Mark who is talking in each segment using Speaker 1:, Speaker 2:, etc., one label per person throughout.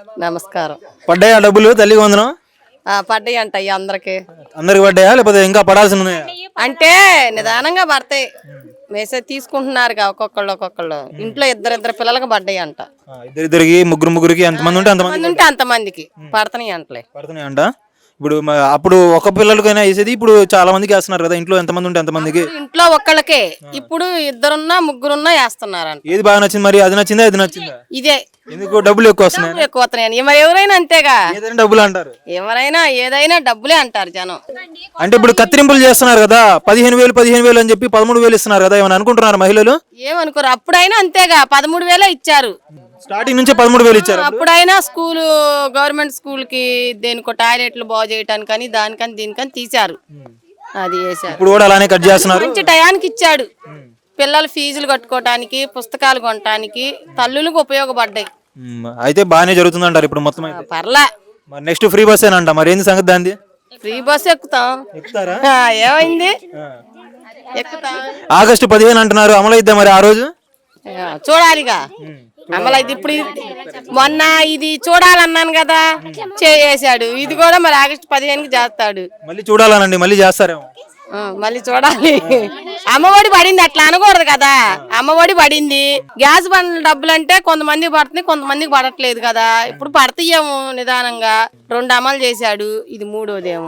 Speaker 1: నమస్కారం.
Speaker 2: పడ్డాయా డబ్బులు తల్లికి వందనం?
Speaker 1: పడ్డాయి అంట అందరికి.
Speaker 2: అందరికి పడ్డాయా లేకపోతే ఇంకా పడాల్సి ఉన్నాయా?
Speaker 1: అంటే నిదానంగా పడతాయి. మెసేజ్ తీసుకుంటున్నారుగా ఒక్కొక్కళ్ళు. ఇంట్లో ఇద్దరు పిల్లలకి పడ్డాయి అంట.
Speaker 2: ఇద్దరికి ముగ్గురికి ఎంతమంది ఉంటే
Speaker 1: అంతమందికి పడుతున్నాయి అంటలే.
Speaker 2: పడుతున్నాయి అంట. ఇప్పుడు అప్పుడు ఒక పిల్లలకైనా వేసేది, ఇప్పుడు చాలా మందికి వేస్తున్నారు కదా. ఇంట్లో ఎంతమంది ఉంటే ఎంతమందికి?
Speaker 1: ఇంట్లో ఒక్కళ్ళకే. ఇప్పుడు ఇద్దరున్నా ముగ్గురున్నా వేస్తున్నారంట.
Speaker 2: ఏది బాగా నచ్చింది మరి? అది నచ్చిందా ఇది నచ్చిందా?
Speaker 1: ఇదే.
Speaker 2: ఎందుకు డబ్బులు ఎక్కువ వస్తున్నాయి?
Speaker 1: మరి ఎవరైనా అంతేగా,
Speaker 2: డబ్బులు అంటారు.
Speaker 1: ఎవరైనా ఏదైనా డబ్బులే అంటారు జనం.
Speaker 2: అంటే ఇప్పుడు కత్తిరింపులు చేస్తున్నారు కదా, 15,000 అని చెప్పి 13,000 ఇస్తున్నారు కదా, ఏమని అనుకుంటున్నారు మహిళలు?
Speaker 1: ఏమనుకోరు, అప్పుడైనా అంతేగా 13,000 ఇచ్చారు.
Speaker 2: స్టార్టింగ్ నుంచి 13,000 ఇచ్చారు.
Speaker 1: అప్పుడైనా స్కూలు గవర్నమెంట్ స్కూల్ కి దేనికో టాయిలెట్లు బాగు చేయటానికని దానికని దీనికని తీశారు. అది వేసారు.
Speaker 2: ఇప్పుడు కూడా అలానే కట్ చేస్తున్నారు.
Speaker 1: మంచి టయానికి ఇచ్చాడు. పిల్లలు ఫీజులు కట్టుకోవటానికి, పుస్తకాలు కొనటానికి తల్లులకు ఉపయోగపడ్డాయి.
Speaker 2: అయితే బాగానే జరుగుతుంది అంటారు ఇప్పుడు మొత్తం?
Speaker 1: పర్లా.
Speaker 2: మరి నెక్స్ట్ ఫ్రీ బస్ ఏనంట, మరి ఏంది సంగతి దాన్ని?
Speaker 1: ఫ్రీ బస్ ఎక్కుతాం. ఏమైంది? ఎక్కుతాం.
Speaker 2: ఆగస్టు 15 అంటున్నారు, అమలైద్దా మరి ఆ రోజు?
Speaker 1: చూడాలిగా అమలైతే. ఇప్పుడు మొన్న ఇది చూడాలన్నాను కదా, చేసాడు. ఇది కూడా మరి ఆగస్టు 15కి చేస్తాడు.
Speaker 2: మళ్ళీ చూడాలనండి, మళ్ళీ చేస్తారేమో.
Speaker 1: మళ్ళీ చూడాలి. అమ్మఒడి పడింది, అట్లా అనకూడదు కదా. అమ్మఒడి పడింది. గ్యాస్ బండ్ల డబ్బులు అంటే కొంతమందికి పడుతుంది, కొంతమందికి పడట్లేదు కదా. ఇప్పుడు పడతాయేమో నిదానంగా. 2 అమలు చేశాడు, ఇది 3వదేమో.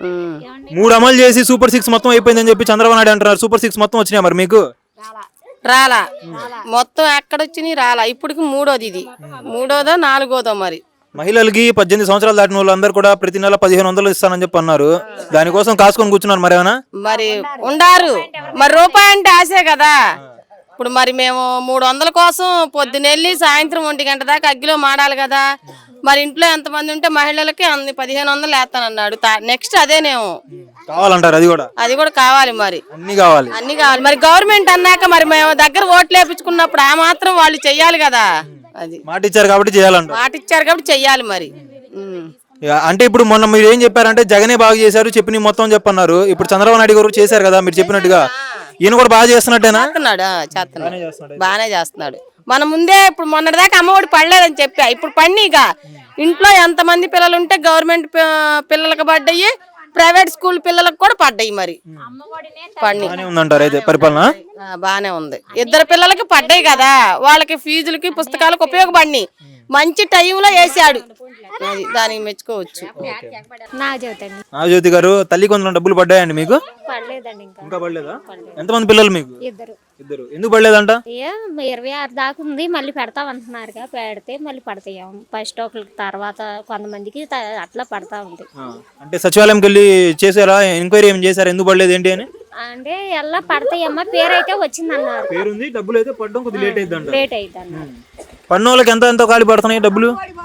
Speaker 2: 3 అమలు చేసి సూపర్ 6 మొత్తం అయిపోయిందని చెప్పి చంద్రబాబు నాయుడు అంటున్నారు. సూపర్ 6 మొత్తం వచ్చినాయి మరి మీకు?
Speaker 1: రాలా. మొత్తం ఎక్కడొచ్చినాయి రాలా. ఇప్పటికి 3వది. ఇది 3వదో 4వదో మరి.
Speaker 2: మహిళలకి 18 సంవత్సరాలు దాటిన వాళ్ళందరూ కూడా ప్రతి నెల 1,500 ఇస్తానని చెప్పి అన్నారు. దానికోసం కాసుకొని కూర్చున్నారు మరి ఏమైనా? మరి
Speaker 1: ఉండారు. మరి రూపాయి అంటే ఆశే కదా. ఇప్పుడు మరి మేము 300 కోసం పొద్దునెళ్ళి సాయంత్రం 1 గంట దాకా అగ్గిలో మాడాలి కదా. మరి ఇంట్లో ఎంతమంది ఉంటే మహిళలకి 1,500 వేస్తానన్నాడు. నెక్స్ట్ అదేనేమో
Speaker 2: కావాలంటారు. అది కూడా
Speaker 1: కావాలి. మరి అన్ని కావాలి. మరి గవర్నమెంట్ అన్నాక మరి మేము దగ్గర ఓట్లు వేపించుకున్నప్పుడు ఆ మాత్రం వాళ్ళు చెయ్యాలి కదా. అది
Speaker 2: మాట ఇచ్చారు కాబట్టి
Speaker 1: చెయ్యాలి మరి.
Speaker 2: అంటే ఇప్పుడు మొన్న మీరు ఏం చెప్పారంటే జగనే బాగా చేశారు, చెప్పి మొత్తం చెప్పన్నారు. ఇప్పుడు చంద్రబాబు నాయుడు గారు చేశారు కదా మీరు చెప్పినట్టుగా, ఈయన కూడా బాగా చేస్తున్నట్టేనా?
Speaker 1: బాగానే చేస్తున్నాడు. మన ముందే ఇప్పుడు మొన్నటిదాకా అమ్మఒడి పడలేదని చెప్పా, ఇప్పుడు పడినీగా. ఇంట్లో ఎంతమంది పిల్లలు ఉంటే గవర్నమెంట్ పిల్లలకు పడ్డాయి, ప్రైవేట్ స్కూల్ పిల్లలకు కూడా పడ్డాయి. మరి
Speaker 2: ఉందంటారు అయితే పరిపాలన
Speaker 1: బానే ఉంది. 2 పిల్లలకి పడ్డాయి కదా, వాళ్ళకి ఫీజులకి పుస్తకాలకు ఉపయోగపడినాయి. మంచి టైంలో వేసాడు, దానికి మెచ్చుకోవచ్చు.
Speaker 2: నాగజ్యోతి గారు, తల్లి కొందరు డబ్బులు పడ్డాయండి మీకు? ఇంకా పడలేదా? ఎంతమంది పిల్లలు మీకు? ఇద్దరు. ఎందుకు పడలేదంట?
Speaker 3: 26 దాకా ఉంది, మళ్ళీ పెడతాం అంటున్నారుగా. పెడితే మళ్ళీ పడతాం. ఫస్ట్ ఒకరికి తర్వాత కొంతమందికి అట్లా పడతా ఉంది.
Speaker 2: అంటే సచివాలయంకి వెళ్ళి చేసారా, ఎంక్వైరీ ఏం చేశారు, ఎందుకు పడలేదు ఏంటి అని?
Speaker 3: అంటే ఎలా పడతాయమ్మా, పేరు అయితే వచ్చింది అన్నారు.
Speaker 2: పేరుంది, డబ్బులు అయితే పడడం కొద్దిగా లేట్
Speaker 3: అయితే అన్నారు.
Speaker 2: పడిన వాళ్ళకి ఎంత ఖాళీ పడుతున్నాయి డబ్బులు?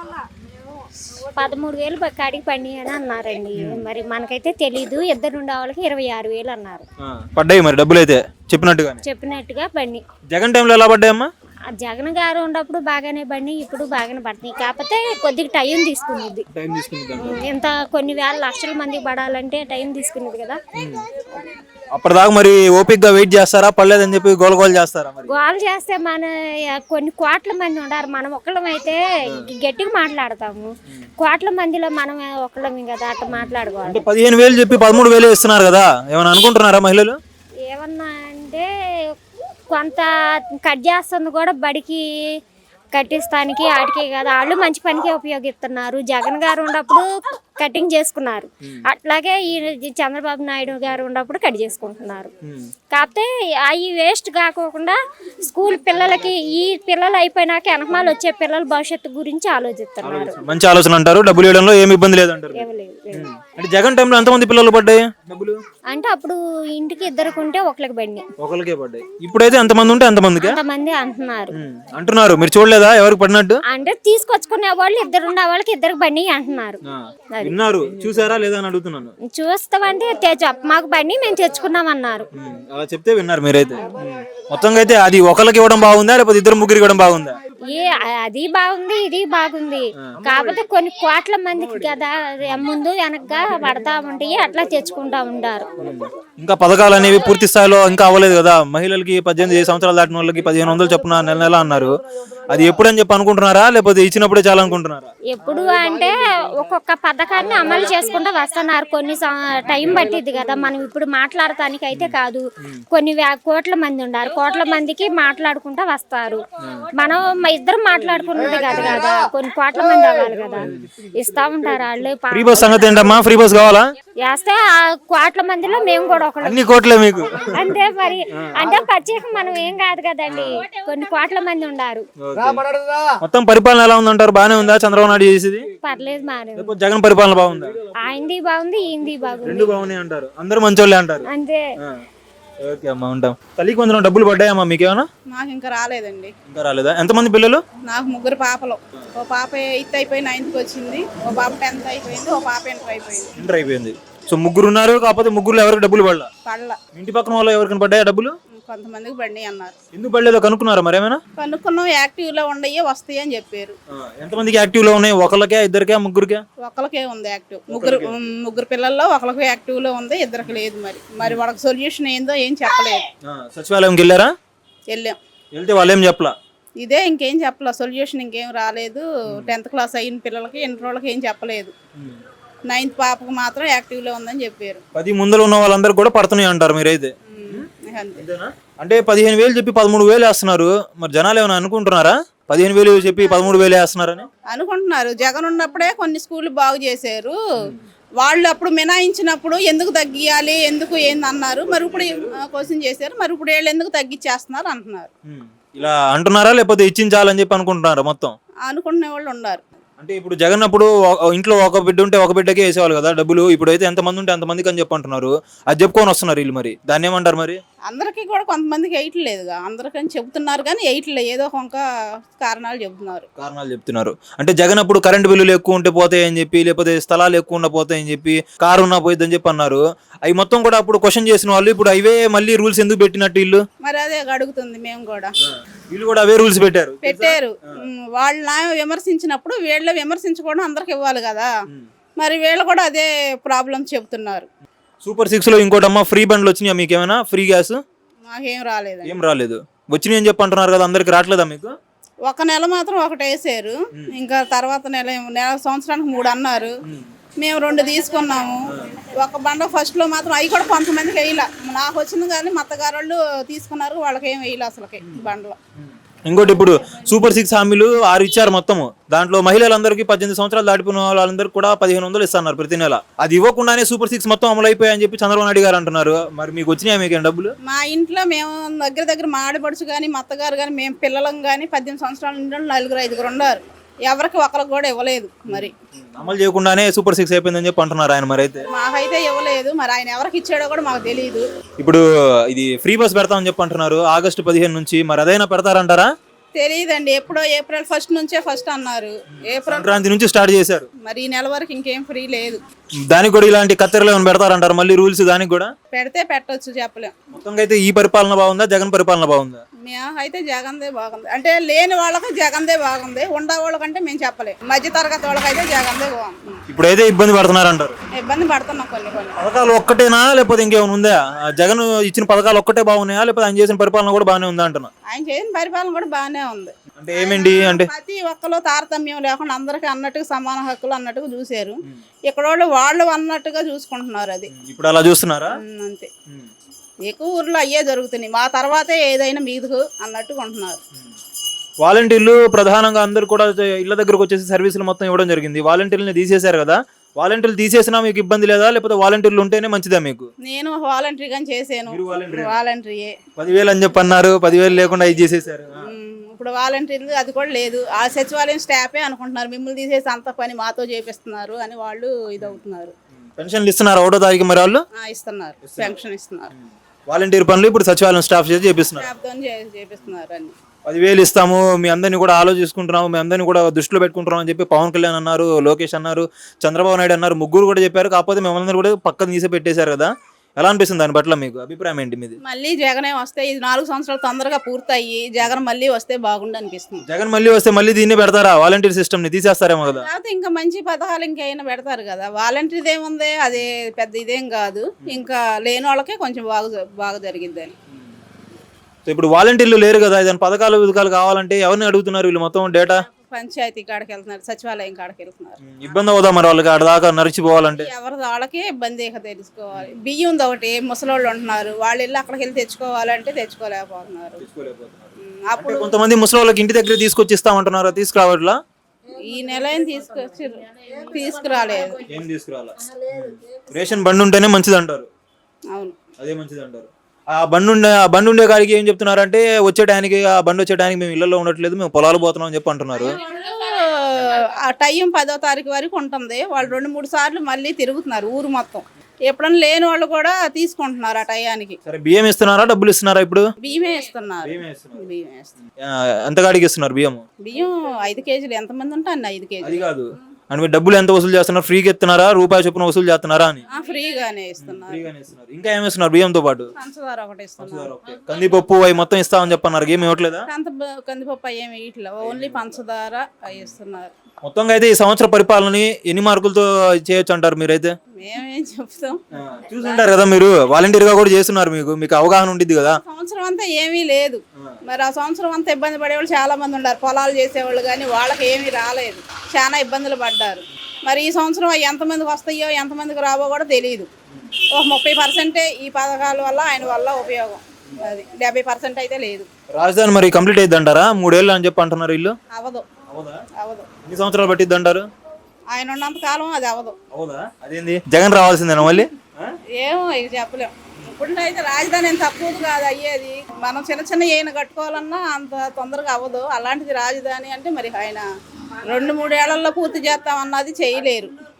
Speaker 3: 13,000 కాడికి పడినాయి అని అన్నారండి. మరి మనకైతే తెలీదు. 2 ఉండే వాళ్ళకి 26,000 అన్నారు.
Speaker 2: పడ్డాయి మరి డబ్బులు అయితే
Speaker 3: చెప్పినట్టుగా పడినాయి.
Speaker 2: జగన్ టైంలో ఎలా పడ్డాయమ్మా?
Speaker 3: జగన్ గారు ఉన్నప్పుడు బాగానే పడినాయి, ఇప్పుడు బాగానే పడుతున్నాయి. కాకపోతే కొద్దిగా టైం తీసుకునేది. ఇంత కొన్ని వేల లక్షల మందికి పడాలంటే టైం తీసుకునేది కదా.
Speaker 2: అప్పటిదాకా మరి ఓపిక్ గా వెయిట్ చేస్తారా, పడలేదని చెప్పి గోల చేస్తారా?
Speaker 3: గోల చేస్తే మన కొన్ని కోట్ల మంది ఉన్నారు, మనం ఒక్కళ్ళం అయితే గట్టిగా మాట్లాడతాము. కోట్ల మందిలో మనం ఒక్కళ్ళం కదా, అట్లా మాట్లాడుకోవాలి.
Speaker 2: 15,000 చెప్పి 13,000 ఇస్తున్నారు కదా, ఏమన్నా అనుకుంటున్నారా మహిళలు?
Speaker 3: ఏమన్నా అంటే కొంత కట్ చేస్తుంది కూడా, బడికి కట్టిస్తానికి ఆడికే కదా. వాళ్ళు మంచి పనికే ఉపయోగిస్తున్నారు. జగన్ గారు ఉన్నప్పుడు కటింగ్ చేసుకున్నారు, అట్లాగే ఈ చంద్రబాబు నాయుడు గారు ఉన్నప్పుడు కట్ చేసుకుంటున్నారు. కాకపోతే అవి వేస్ట్ కాకోకుండా స్కూల్ పిల్లలకి, ఈ పిల్లలు అయిపోయినాక వెనకమాలు వచ్చే పిల్లల భవిష్యత్తు గురించి ఆలోచిస్తున్నారు.
Speaker 2: మంచి ఆలోచన అంటారు. డబ్బులు ఇవ్వడంలో ఏమి ఇబ్బంది లేదంటారు. అంటే జగన్ టైంలో ఎంతమంది పిల్లలు పడ్డాయి డబ్బులు?
Speaker 3: అంటే అప్పుడు ఇంటికి 2 ఉంటే ఒకరికి పడినాయి.
Speaker 2: ఇప్పుడైతే ఎంతమంది ఉంటే అంతమంది అంటున్నారు. మీరు చూడలేదా ఎవరికి పడినట్టు?
Speaker 3: అంటే తీసుకొచ్చుకునే వాళ్ళు 2 ఉండే వాళ్ళకి 2కి పడినాయి అంటున్నారు.
Speaker 2: విన్నారు, చూసారా లేదా అని అడుగుతున్నాను.
Speaker 3: చూస్తామంటే మాకు పడినాయి, మేము తెచ్చుకున్నాం అన్నారు.
Speaker 2: అలా చెప్తే విన్నారు మీరైతే. మొత్తంగా అయితే అది ఒకరికి ఇవ్వడం బాగుందా, లేకపోతే 2-3 ఇవ్వడం బాగుందా?
Speaker 3: అది బాగుంది, ఇది బాగుంది. కాకపోతే కొన్ని కోట్ల మందికి కదా ముందు వెనకగా పడతా ఉంటాయి, అట్లా తెచ్చుకుంటా ఉంటారు.
Speaker 2: ఇంకా పథకాలు అనేవి పూర్తి స్థాయిలో ఇంకా అవ్వలేదు కదా. మహిళలకి 18 సంవత్సరాలు దాటిన వాళ్ళకి 1,500 చొప్పున నెల అన్నారు. అది ఎప్పుడు అని చెప్పి అనుకుంటున్నారా లేకపోతే ఇచ్చినప్పుడే చాలా అనుకుంటున్నారా?
Speaker 3: ఎప్పుడు అంటే ఒక్కొక్క పథకాన్ని అమలు చేసుకుంటూ వస్తున్నారు. కొన్ని టైం పట్టిద్ది కదా, మనం ఇప్పుడు మాట్లాడటానికి అయితే కాదు. కొన్ని కోట్ల మంది ఉన్నారు, కోట్ల మందికి మాట్లాడుకుంటూ వస్తారు. మనం ఇద్దరం మాట్లాడుకున్నది కాదు కదా, కొన్ని కోట్ల మంది అవ్వాలి కదా, ఇస్తా ఉంటారు వాళ్ళు.
Speaker 2: ఫ్రీ బస్ సంగతి ఏంటమ్మా? ఫ్రీ బస్ కావాలా?
Speaker 3: వేస్తే ఆ కోట్ల మందిలో మేము కూడా ఒకళ్ళు.
Speaker 2: అన్ని కోట్లే మీకు?
Speaker 3: అంతే మరి, అంటే ప్రత్యేకం మనం ఏం కాదు కదండి, కొన్ని కోట్ల మంది ఉన్నారు.
Speaker 2: మొత్తం పరిపాలన ఎలా ఉందంటారు? బానే ఉందా చంద్రబాబు నాయుడు చేసేది?
Speaker 3: పర్లేదు మారే.
Speaker 2: లేకపోతే జగన్ పరిపాలన బాగుందా?
Speaker 3: ఆయనది బాగుంది, ఈయనది బాగుంది,
Speaker 2: రెండు బాగున్నాయి అంటారు, అందరూ మంచోళ్ళే అంటారు.
Speaker 3: అంతే.
Speaker 2: ఓకే అమ్మా, ఉంటాం. తల్లికి వందనం డబ్బులు పడ్డాయమ్మా మీకేమన్నా?
Speaker 4: నాకు ఇంకా రాలేదండి.
Speaker 2: ఇంకా రాలేదా? ఎంతమంది పిల్లలు?
Speaker 4: నాకు 3 పాపలు. ఓ పాప 8th అయిపోయి 9th వచ్చింది, ఓ పాప 10th అయిపోయింది, ఓ పాప ఇంటర్ అయిపోయింది.
Speaker 2: ఇంటర్ అయిపోయింది. సో ముగ్గురు ఉన్నారు, కాకపోతే ముగ్గురు ఎవరికి డబ్బులు పడలా?
Speaker 4: పళ్ళ
Speaker 2: ఇంటి పక్కన వాళ్ళు ఎవరికైనా పడ్డాయా డబ్బులు?
Speaker 4: కొంతమందికి బండి అన్నారు.
Speaker 2: ఎందుకు పడలేదో కనుక్కున్నారా మరేమైనా?
Speaker 4: కనుక్కున్నాం, యాక్టివ్ లో ఉండయి వస్తాయి అని చెప్పారు.
Speaker 2: ఎంతమందికి యాక్టివ్ లో ఉన్నాయి? ఒకళ్ళకే, ఇద్దరికే, ముగ్గురికే?
Speaker 4: ఒకరికే ఉంది యాక్టివ్. ముగ్గురు పిల్లల్లో ఒకరికి యాక్టివ్ లో ఉంది, ఇద్దరికి లేదు. మరి వాళ్ళకి సొల్యూషన్ ఏందో ఏం చెప్పలేదు.
Speaker 2: సచివాలయంకి వెళ్ళారా?
Speaker 4: వెళ్ళాం,
Speaker 2: వెళ్తే వాళ్ళు ఏం చెప్పలా?
Speaker 4: ఇదే ఇంకేం చెప్పలే, సొల్యూషన్ ఇంకేం రాలేదు. 10th క్లాస్ అయిన పిల్లలకి, ఇంటర్ వాళ్ళకి ఏం చెప్పలేదు. 9th పాపకు మాత్రం యాక్టివ్ లో ఉందని చెప్పారు.
Speaker 2: 10 ముందర ఉన్న వాళ్ళందరూ కూడా పడుతున్నాయి అంటారు మీరైతే?
Speaker 4: అంతే.
Speaker 2: అంటే 15,000 చెప్పి 13,000 వేస్తున్నారు. మరి జనాలు ఏమైనా అనుకుంటున్నారా 15,000 చెప్పి 13,000 వేస్తున్నారని?
Speaker 4: అనుకుంటున్నారు. జగన్ ఉన్నప్పుడే కొన్ని స్కూళ్ళు బాగు చేశారు. వాళ్ళు అప్పుడు మినాయించినప్పుడు ఎందుకు తగ్గియాలి, ఎందుకు ఏంది అన్నారు. మరి ఇప్పుడు క్వశ్చన్ చేశారు, మరి ఇప్పుడు వీళ్ళు ఎందుకు తగ్గించేస్తున్నారు అంటున్నారు.
Speaker 2: ఇలా అంటున్నారా లేకపోతే ఇచ్చించాలని చెప్పి అనుకుంటున్నారా మొత్తం?
Speaker 4: అనుకునే వాళ్ళు ఉన్నారు.
Speaker 2: అంటే ఇప్పుడు జగన్ అప్పుడు ఇంట్లో ఒక బిడ్డ ఉంటే ఒక బిడ్డకే వేసేవాళ్ళు కదా డబ్బులు. ఇప్పుడైతే ఎంతమంది ఉంటే అంతమందికి అని చెప్పి అంటున్నారు. అది చెప్పుకొని వస్తున్నారు వీళ్ళు. మరి దాన్ని ఏమంటారు? మరి
Speaker 4: అందరికీ కూడా కొంతమందికి వేయట్లేదుగా, అందరికని చెబుతున్నారు కానీ వేయట్లేదు. ఏదో ఒక కారణాలు
Speaker 2: చెప్తున్నారు. అంటే జగన్ అప్పుడు కరెంట్ బిల్లులు ఎక్కువ ఉంటే పోతాయని చెప్పి, లేకపోతే స్థలాలు ఎక్కువ ఉన్న పోతాయని చెప్పి, కారు ఉన్నా పోయిద్దని చెప్పి అన్నారు. అవి మొత్తం కూడా అప్పుడు క్వశ్చన్ చేసిన వాళ్ళు ఇప్పుడు అవే మళ్ళీ రూల్స్ ఎందుకు పెట్టినట్టు వీళ్ళు?
Speaker 4: మరి అదే అడుగుతుంది మేము కూడా.
Speaker 2: వీళ్ళు కూడా అవే రూల్స్ పెట్టారు.
Speaker 4: వాళ్ళ విమర్శించినప్పుడు వీళ్ళ విమర్శించుకోవడం అందరికి ఇవ్వాలి కదా. మరి వీళ్ళు కూడా అదే ప్రాబ్లం చెబుతున్నారు.
Speaker 2: సూపర్ 6 లో ఇంకోటమ్మా, ఫ్రీ బండ్లు వచ్చినాయా మీకు? ఏమైనా ఫ్రీ గ్యాస్?
Speaker 4: మాకేం రాలేదు.
Speaker 2: ఏం రాలేదు. వచ్చినాయి అని చెప్పి అంటున్నారు కదా, అందరికి రావట్లేదా మీకు?
Speaker 4: ఒక నెల మాత్రం ఒకటి వేసారు, ఇంకా తర్వాత సంవత్సరానికి 3 అన్నారు. మేము 2 తీసుకున్నాము. ఒక బండ ఫస్ట్ లో మాత్రం అవి కూడా కొంతమందికి వేయలే. నాకు వచ్చింది కానీ మా అత్తగారు వాళ్ళు తీసుకున్నారు, వాళ్ళకి ఏం వేయలే అసలుకి బండ్లో.
Speaker 2: ఇంకోటి ఇప్పుడు సూపర్ 6 హామీలు 6 ఇచ్చారు మొత్తము. దాంట్లో మహిళలందరికీ 18 సంవత్సరాలు దాటిపోయిన వాళ్ళందరికీ కూడా 1,500 ఇస్తున్నారు ప్రతి నెల. అది ఇవ్వకుండానే సూపర్ 6 మొత్తం అమలు అయిపోయాయని చెప్పి చంద్రబాబు నాయుడు గారు అంటున్నారు. మరి మీకు వచ్చినాయా మీకు డబ్బులు?
Speaker 4: మా ఇంట్లో మేము దగ్గర మా ఆడపడుచు కానీ మా అత్తగారు కానీ మేము పిల్లలం కానీ 18 సంవత్సరాల నుండి 4-5 ఉన్నారు. ఎవరికి ఒకరికి కూడా ఇవ్వలేదు. మరి
Speaker 2: అమలు చేయకుండానే సూపర్ 6 అయిపోయిందని చెప్పి అంటున్నారు ఆయన. మరి అయితే
Speaker 4: మాకైతే ఇవ్వలేదు. మరి ఆయన ఎవరికి ఇచ్చాడో కూడా మాకు తెలియదు.
Speaker 2: ఇప్పుడు ఇది ఫ్రీ బస్ పెడతామని చెప్పి అంటున్నారు ఆగస్టు 15 నుంచి. మరి అదైనా పెడతారంటారా?
Speaker 4: తెలియదండి. ఎప్పుడో ఏప్రిల్ 1 నుంచే ఫస్ట్ అన్నారు. ఏప్రిల్
Speaker 2: సంక్రాంతి నుంచి స్టార్ట్ చేశారు.
Speaker 4: మరి ఈ నెల వరకు ఇంకేం ఫ్రీ లేదు.
Speaker 2: దానికి కూడా ఇలాంటి కత్తెరలు ఏమైనా పెడతారంటారు మళ్ళీ రూల్స్? దానికి కూడా
Speaker 4: పెడితే పెట్టొచ్చు, చెప్పలేం.
Speaker 2: మొత్తం అయితే ఈ పరిపాలన బాగుందా, జగన్ పరిపాలన బాగుందా?
Speaker 4: అయితే జగన్దే బాగుంది. అంటే లేని వాళ్ళకి జగన్దే బాగుంది, ఉండే వాళ్ళకంటే మేము చెప్పలేం. మధ్య తరగతి వాళ్ళకైతే జగన్దే బాగుంది.
Speaker 2: ఇప్పుడైతే ఇబ్బంది పడుతున్నారంటారు.
Speaker 4: ఇబ్బంది పడుతున్నాం కొన్ని.
Speaker 2: పథకాలు ఒక్కటేనా లేకపోతే ఇంకేమైనా ఉందా? జగన్ ఇచ్చిన పథకాలు ఒక్కటే బాగున్నాయా లేకపోతే ఆయన చేసిన పరిపాలన కూడా బాగానే ఉందా అంటున్నా?
Speaker 4: ఆయన చేసిన పరిపాలన కూడా బాగానే ఉంది.
Speaker 2: అంటే ఏమేంటి అంటే
Speaker 4: ప్రతి ఒక్కరు తారతమ్యం లేకుండా అందరికి అన్నట్టుగా సమాన హక్కులు అన్నట్టుగా చూశారు. ఇక్కడ వాళ్ళు అన్నట్టుగా చూసుకుంటున్నారు. అది
Speaker 2: ఇప్పుడు అలా చూస్తున్నారా?
Speaker 4: అంతే. ఎక్కువ ఊర్లో అయ్యే జరుగుతున్నాయి. మా తర్వాతే ఏదైనా మీదుకు అన్నట్టుగా ఉంటున్నారు.
Speaker 2: వాలంటీర్లు ప్రధానంగా అందరు కూడా ఇళ్ల దగ్గరకు వచ్చేసి సర్వీసులు మొత్తం ఇవ్వడం జరిగింది. వాలంటీర్లని తీసేశారు కదా, వాలంటీర్లు తీసేసినా మీకు ఇబ్బంది లేదా లేకపోతే వాలంటీర్లు ఉంటేనే మంచిదా మీకు?
Speaker 4: నేను వాలంటీర్గా చేశాను. వాలంటీర్
Speaker 2: 10,000 అని చెప్పి అన్నారు. 10,000 లేకుండా ఇది చేసేసారు.
Speaker 4: ఇప్పుడు వాలంటీర్లు అది కూడా లేదు. ఆ సచివాలయం స్టాఫే అనుకుంటున్నారు మిమ్మల్ని తీసేసి అంత పని మాతో చేపిస్తున్నారు అని వాళ్ళు ఇదవుతున్నారు.
Speaker 2: పెన్షన్లు ఇస్తున్నారు 1వ తారీఖు మరి వాళ్ళు?
Speaker 4: ఇస్తున్నారు, పెన్షన్ ఇస్తున్నారు.
Speaker 2: వాలంటీర్ పనులు ఇప్పుడు సచివాలయం స్టాఫ్ చేసి చేపిస్తున్నారు. 10,000 ఇస్తాము, మీ అందరినీ కూడా ఆలోచించుకుంటున్నాము, మీ అందరినీ కూడా దృష్టిలో పెట్టుకుంటున్నాం అని చెప్పి పవన్ కళ్యాణ్ అన్నారు, లోకేష్ అన్నారు, చంద్రబాబు నాయుడు అన్నారు. ముగ్గురు కూడా చెప్పారు. కాకపోతే మేమందరూ కూడా పక్కన తీసి పెట్టేశారు కదా. ఎలా అనిపిస్తుంది దాని పట్ల మీకు అభిప్రాయం ఏంటి మీది?
Speaker 4: మళ్ళీ జగనే వస్తే ఇది 4 సంవత్సరాలు తొందరగా పూర్తయ్యి జగన్ మళ్ళీ వస్తే బాగుండు అనిపిస్తుంది.
Speaker 2: జగన్ మళ్ళీ వస్తే మళ్ళీ దీన్ని పెడతారా? వాలంటీర్ సిస్టమ్ ని తీసేస్తారేమో కదా.
Speaker 4: ఇంకా మంచి పథకాలు ఇంకైనా పెడతారు కదా. వాలంటీర్ ఏముంది, అది పెద్ద ఇదేం కాదు. ఇంకా లేని వాళ్ళకే కొంచెం బాగా జరిగిద్దని.
Speaker 2: సో ఇప్పుడు వాలంటీర్లు లేరు కదా, ఏదైనా పథకాలు కావాలంటే ఎవరిని అడుగుతున్నారు వీళ్ళు మొత్తం డేటా?
Speaker 4: పంచాయతీ కాడికి వెళ్తున్నారు, సచివాలయం కాడికి వెళ్తున్నారు.
Speaker 2: ఇబ్బంది అవుదా మరి వాళ్ళకి ఆడ దాకా నడిచిపోవాలంటే?
Speaker 4: ఎవరి వాళ్ళకే ఇబ్బంది ఇక తెలుసుకోవాలి. బియ్యం ఒకటి ముసలోళ్ళు ఉంటున్నారు, వాళ్ళు వెళ్ళి అక్కడికి వెళ్ళి తెచ్చుకోవాలంటే తెచ్చుకోలేకపోతున్నారు.
Speaker 2: అంటే కొంతమంది ముసలి వాళ్ళకి ఇంటి దగ్గర తీసుకొచ్చి ఇస్తామంటున్నారు, తీసుకురావట్లా?
Speaker 4: ఈ నెల ఏం తీసుకురాలేదు.
Speaker 2: ఏం తీసుకురాలా? రేషన్ బండి ఉంటేనే మంచిది అంటారు.
Speaker 4: అవును,
Speaker 2: అదే మంచిది అంటారు. ఆ బండి ఉండే కాడికి ఏం చెప్తున్నారంటే వచ్చే టైంకి ఆ బండి వచ్చే టైంకి మేము ఇళ్లలో ఉండట్లేదు, మేము పొలాలు పోతున్నాం అని చెప్పి అంటున్నారు.
Speaker 4: ఆ టైం 10వ తారీఖు వరకు ఉంటుంది. వాళ్ళు 2-3 సార్లు మళ్ళీ తిరుగుతున్నారు ఊరు మొత్తం. ఎప్పుడన్నా లేని వాళ్ళు కూడా తీసుకుంటున్నారు ఆ టయానికి.
Speaker 2: సరే, బియ్యం ఇస్తున్నారా, డబ్బులు ఇస్తున్నారా? ఇప్పుడు
Speaker 4: బియ్యమే ఇస్తున్నారు.
Speaker 2: ఎంత కాడికి ఇస్తున్నారు బియ్యం?
Speaker 4: బియ్యం 5 కేజీలు, ఎంతమంది ఉంటే అన్ని 5 కేజీలు.
Speaker 2: అది కాదు, అంటే మీరు డబ్బులు ఎంత వసూలు చేస్తున్నారు? ఫ్రీగా ఇస్తున్నారా, రూపాయి చొప్పున వసూలు చేస్తున్నారా అని?
Speaker 4: ఫ్రీగానే ఇస్తున్నారు.
Speaker 2: ఇంకా ఏమి ఇస్తున్నారు బియ్యంతో పాటు?
Speaker 4: పంచదార ఒకటి ఇస్తున్నారు.
Speaker 2: కందిపప్పు అవి మొత్తం ఇస్తామని చెప్పన్నారు, ఏమి ఇవ్వట్లేదా?
Speaker 4: కందిపప్పు ఏమి ఇట్లా, ఓన్లీ పంచదార అవి ఇస్తున్నారు.
Speaker 2: మొత్తంగా అయితే ఈ సంవత్సర పరిపాలనని ఎన్ని మార్కులతో చేయొచ్చు అంటారు మీరైతే?
Speaker 4: మేమేం చెప్తాం,
Speaker 2: చూసుంటారు కదా, మీరు వాలంటీర్ గా కూడా చేస్తున్నారు, మీకు అవగాహన ఉంటుంది కదా.
Speaker 4: సంవత్సరం అంతా ఏమీ లేదు. మరి ఆ సంవత్సరం అంతా ఇబ్బంది పడేవాళ్ళు చాలా మంది ఉన్నారు, పొలాలు చేసేవాళ్ళు, కానీ వాళ్ళకి ఏమీ రాలేదు, చాలా ఇబ్బందులు పడ్డారు. మరి ఈ సంవత్సరం అవి ఎంతమందికి వస్తాయో ఎంతమందికి రావో కూడా తెలియదు. ఒక 30% ఈ పథకాల వల్ల ఆయన వల్ల ఉపయోగం, అది 70% అయితే లేదు.
Speaker 2: రాజధాని మరి కంప్లీట్ అయ్యింది అంటారా? 3 ఏళ్ళు అని చెప్పి అంటున్నారు వీళ్ళు.
Speaker 4: అవదు.
Speaker 2: ఎన్ని సంవత్సరాలు పట్టిద్ది అంటారు?
Speaker 4: ఆయన ఉన్నంత కాలం అది అవదు.
Speaker 2: అదేంది, జగన్ రావాల్సిందేనా మళ్ళీ?
Speaker 4: ఏమో ఇక చెప్పలేం. ఇప్పుడైతే రాజధాని ఏం తక్కువది కాదు అయ్యేది. మనం చిన్న ఏమైనా కట్టుకోవాలన్నా అంత తొందరగా అవ్వదు. అలాంటిది రాజధాని అంటే మరి ఆయన 2-3 ఏళ్లలో పూర్తి చేస్తామన్నది చేయలేరు.